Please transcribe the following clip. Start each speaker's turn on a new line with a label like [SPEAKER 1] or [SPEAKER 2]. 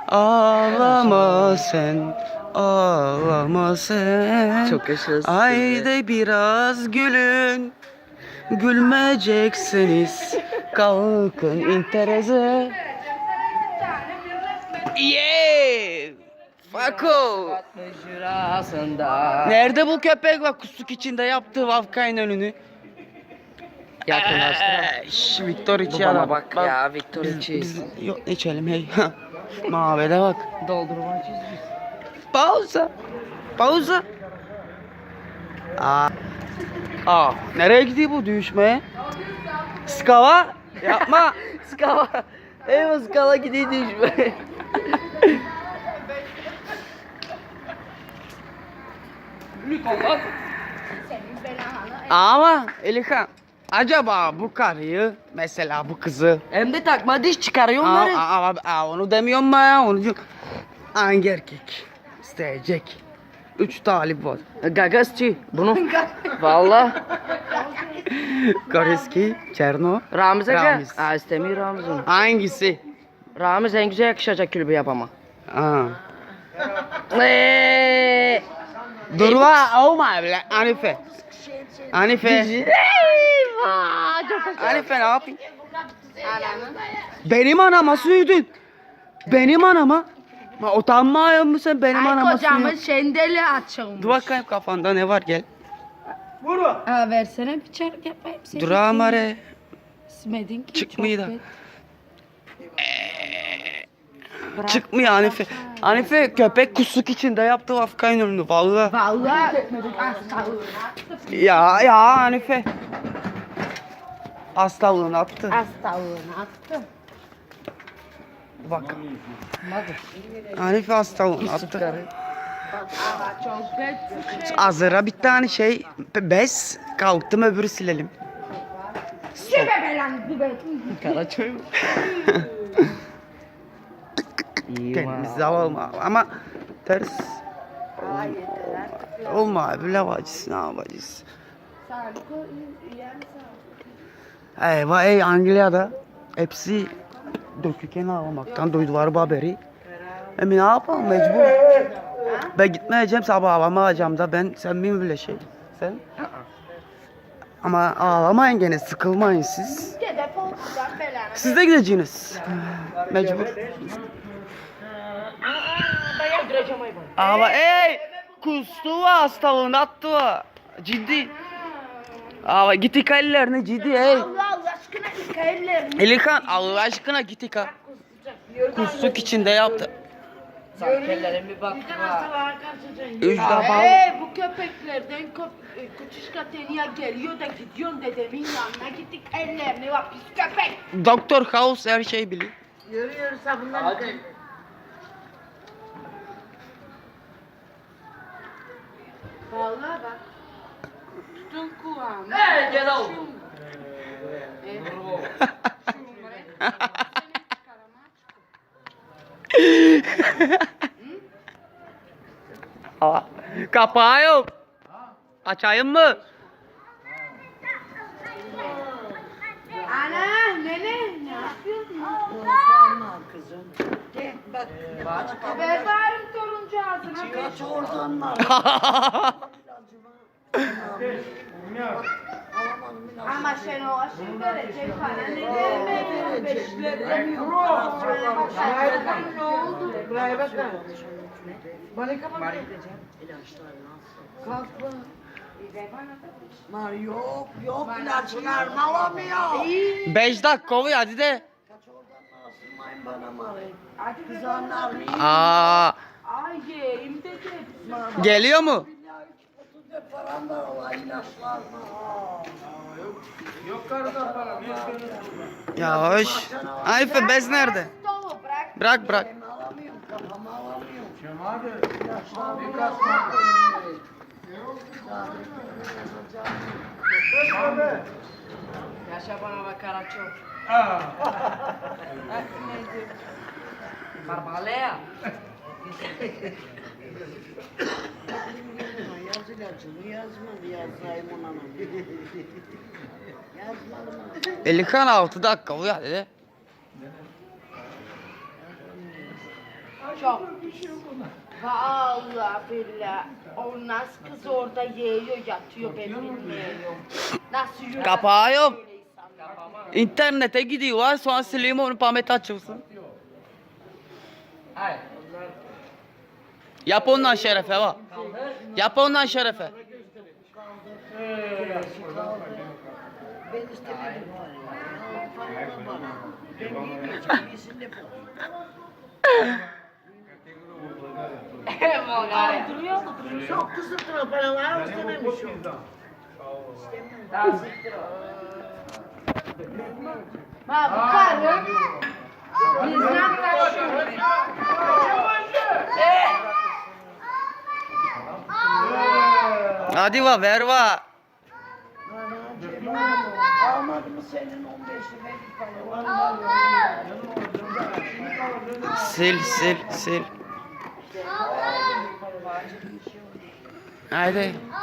[SPEAKER 1] Ağlama sen, ağlama sen.
[SPEAKER 2] Çok yaşasın.
[SPEAKER 1] Haydi biraz gülün. Gülmeyeceksiniz. Kalkın intereze. Yeah! Fako! Nerede bu köpek bak kusuk içinde yaptığı Vafkay'ın önünü?
[SPEAKER 2] Yakınlaştır.
[SPEAKER 1] Victor
[SPEAKER 2] Bu
[SPEAKER 1] içi
[SPEAKER 2] bana
[SPEAKER 1] adam.
[SPEAKER 2] bak ya Victor içi.
[SPEAKER 1] Biz yok içelim hey. Mavede bak.
[SPEAKER 2] Doldurmacıyız biz.
[SPEAKER 1] Pauza. Pauza. Nereye gidiyor bu düşmeye? Skava yapma.
[SPEAKER 2] Skala. Eyvah skala gidiyor düşme.
[SPEAKER 1] Ama Elikan acaba bu karıyı mesela bu kızı
[SPEAKER 2] Hem de takma diş çıkarıyor onları.
[SPEAKER 1] onu demiyorum ben ya onu diyorum. Hangi erkek isteyecek? 3 talip var.
[SPEAKER 2] Gagasçı bunu. Valla.
[SPEAKER 1] Koreski, Çerno.
[SPEAKER 2] Ramiz Aga.
[SPEAKER 1] Ramiz.
[SPEAKER 2] İstemiyor Ramiz onu.
[SPEAKER 1] Hangisi?
[SPEAKER 2] Ramiz en güzel yakışacak kulübü yapama.
[SPEAKER 1] Ha. Durma olma bile Hanife. Hanife.
[SPEAKER 2] Eyvah. Çok
[SPEAKER 1] Hanife ne yapayım? Benim anama sürdün. Benim anama. Ma utanmıyor musun benim anama
[SPEAKER 3] Kocamın
[SPEAKER 1] sürdün?
[SPEAKER 3] şendeli açılmış.
[SPEAKER 1] Dur bakayım kafanda ne var gel.
[SPEAKER 3] Versene bir çark yapayım.
[SPEAKER 1] Dur amare.
[SPEAKER 3] İsmedin ki.
[SPEAKER 1] Çıkmıyor da.
[SPEAKER 3] çok
[SPEAKER 1] Çıkmıyor Hanife. Hanife köpek kusuk içinde yaptı Afgan önünü vallahi.
[SPEAKER 3] Vallahi hastalığını
[SPEAKER 1] Ya Hanife. Hastalığını attı.
[SPEAKER 3] attım.
[SPEAKER 1] Bak. Hanife hastalığını attı.
[SPEAKER 3] Çok kötü.
[SPEAKER 1] Azıra bir tane şey bez kalktım öbürü silelim.
[SPEAKER 3] Şebe belanı biber.
[SPEAKER 2] Karaçoy mu?
[SPEAKER 1] Kendimizi alalım ama ters. Olma bile bacısı ne yapacağız? Eyvah ey Anglia'da hepsi döküken ağlamaktan duydular bu haberi. Ne yapalım mecbur. Ben gitmeyeceğim sabah havamı alacağım da sen mi bile şey? Sen? Ama ağlamayın gene sıkılmayın siz. Siz de gideceksiniz. Mecbur. Ama ey kustu var hastalığını attı var. Ciddi. Ama git yıka ellerini ciddi ey.
[SPEAKER 3] Allah aşkına yıka ellerini.
[SPEAKER 1] Elikan Allah aşkına git yıka. Kustuk içinde yaptı.
[SPEAKER 2] Sankellerin bir bak.
[SPEAKER 1] Üç defa.
[SPEAKER 3] Bu köpeklerden Kutuşka Tenya geliyor da gidiyorsun dedemin yanına gittik ellerini bak pis köpek.
[SPEAKER 1] Doktor House her şeyi biliyor.
[SPEAKER 3] Yürüyoruz bunlar. Hadi. Vallahi bak. Tutun kulağını.
[SPEAKER 2] Gel al.
[SPEAKER 1] Kapağı yok. Açayım mı?
[SPEAKER 3] Ana nene ne yapıyorsun? Ben bağırım toruncu ağzına. Kaç oradan var. Ama sen o aşırı verecek bana ne demek? Beşlerden ne oldu?
[SPEAKER 4] Yok ilaçlar alamıyor.
[SPEAKER 1] 5 dakika oluyor hadi de.
[SPEAKER 4] Asılmayın bana marayı. Kızanlar mı?
[SPEAKER 3] Ay yeğim dedi.
[SPEAKER 1] Geliyor mu?
[SPEAKER 4] Param da ola ilaçlar mı?
[SPEAKER 1] Ya hoş. Hanife bez nerede?
[SPEAKER 3] Dolu bırak.
[SPEAKER 1] Bırak.
[SPEAKER 4] Alamıyorum kafamı alamıyorum.
[SPEAKER 2] Yaşa bana bak Karaço. Barbalea.
[SPEAKER 4] Yaz ilacını yazmadı yazayım ona. Yazmadı mı?
[SPEAKER 1] Elikan 6 dakika oluyor hadi de.
[SPEAKER 3] Çok. Vallahi billahi. O nasıl kız orada yiyor yatıyor ben bilmiyorum. Nasıl yürüyor?
[SPEAKER 1] Kapağı yok.
[SPEAKER 3] Böyle insanlar.
[SPEAKER 1] İnternete gidiyorlar sonra sileyim onu Pamet açılsın. Yap ondan şerefe bak. Yap ondan şerefe.
[SPEAKER 4] Ben istemedim var ya. Para bana. Ben yemeyeceğim. Yesin de bu.
[SPEAKER 3] Duruyor mu?
[SPEAKER 4] Çok kızıp duruyor. Paralar istememiş o.
[SPEAKER 3] Ha bu karı bizden kaçıyor.
[SPEAKER 1] Hadi va ver va.
[SPEAKER 4] Almadı mı senin 15'i benim paralar?
[SPEAKER 1] Sil sil sil. Haydi.